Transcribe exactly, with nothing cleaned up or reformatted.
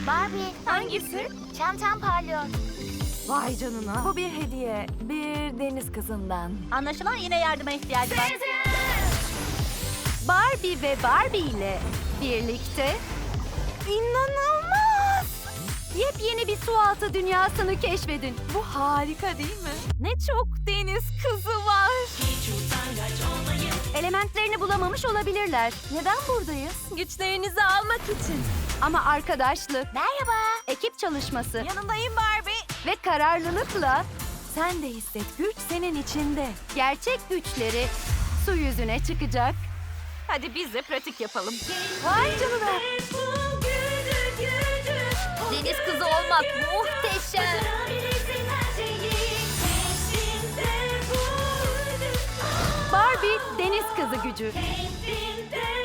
Barbie, Hangisi? çantam parlıyor. Vay canına. Bu bir hediye. Bir deniz kızından. Anlaşılan yine yardıma ihtiyacı var. Barbie ve Barbie ile birlikte inanılmaz! Yepyeni bir sualtı dünyasını keşfedin. Bu harika değil mi? Ne çok deniz kızı var. Elementlerini bulamamış olabilirler. Neden buradayız? Güçlerinizi almak için. Ama arkadaşlık, Merhaba. ekip çalışması Yanındayım Barbie. ve kararlılıkla sen de hisset, güç senin içinde. Gerçek güçleri su yüzüne çıkacak. Hadi biz de pratik yapalım. Vay canına. Deniz kızı olmak muhteşem. Barbie deniz kızı gücü.